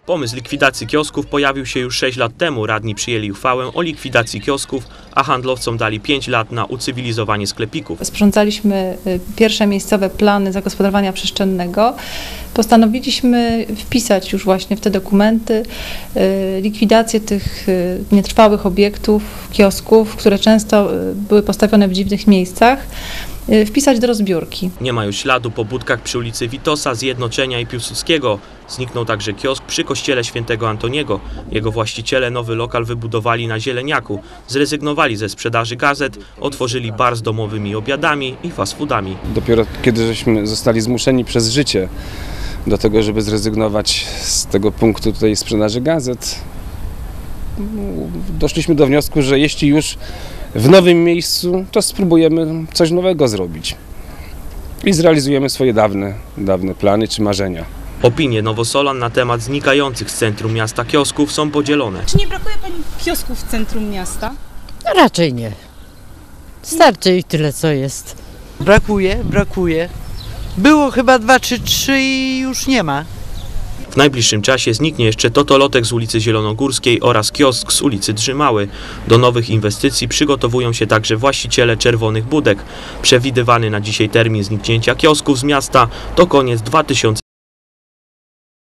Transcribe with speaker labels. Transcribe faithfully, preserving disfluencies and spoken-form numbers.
Speaker 1: Pomysł likwidacji kiosków pojawił się już sześć lat temu. Radni przyjęli uchwałę o likwidacji kiosków, a handlowcom dali pięć lat na ucywilizowanie sklepików.
Speaker 2: Sporządzaliśmy pierwsze miejscowe plany zagospodarowania przestrzennego. Postanowiliśmy wpisać już właśnie w te dokumenty likwidację tych nietrwałych obiektów, kiosków, które często były postawione w dziwnych miejscach, wpisać do rozbiórki.
Speaker 1: Nie ma już śladu po budkach przy ulicy Witosa, Zjednoczenia i Piłsudskiego. Zniknął także kiosk przy kościele świętego Antoniego. Jego właściciele nowy lokal wybudowali na Zieleniaku. Zrezygnowali ze sprzedaży gazet, otworzyli bar z domowymi obiadami i fast foodami.
Speaker 3: Dopiero kiedy żeśmy zostali zmuszeni przez życie do tego, żeby zrezygnować z tego punktu tutaj sprzedaży gazet, doszliśmy do wniosku, że jeśli już w nowym miejscu, to spróbujemy coś nowego zrobić i zrealizujemy swoje dawne, dawne plany czy marzenia.
Speaker 1: Opinie Nowosolan na temat znikających z centrum miasta kiosków są podzielone.
Speaker 4: Czy nie brakuje pani kiosków w centrum miasta?
Speaker 5: No raczej nie. Starczy ich tyle, co jest.
Speaker 6: Brakuje, brakuje. Było chyba dwa czy trzy i już nie ma.
Speaker 1: W najbliższym czasie zniknie jeszcze totolotek z ulicy Zielonogórskiej oraz kiosk z ulicy Drzymały. Do nowych inwestycji przygotowują się także właściciele czerwonych budek. Przewidywany na dzisiaj termin zniknięcia kiosków z miasta to koniec dwa tysiące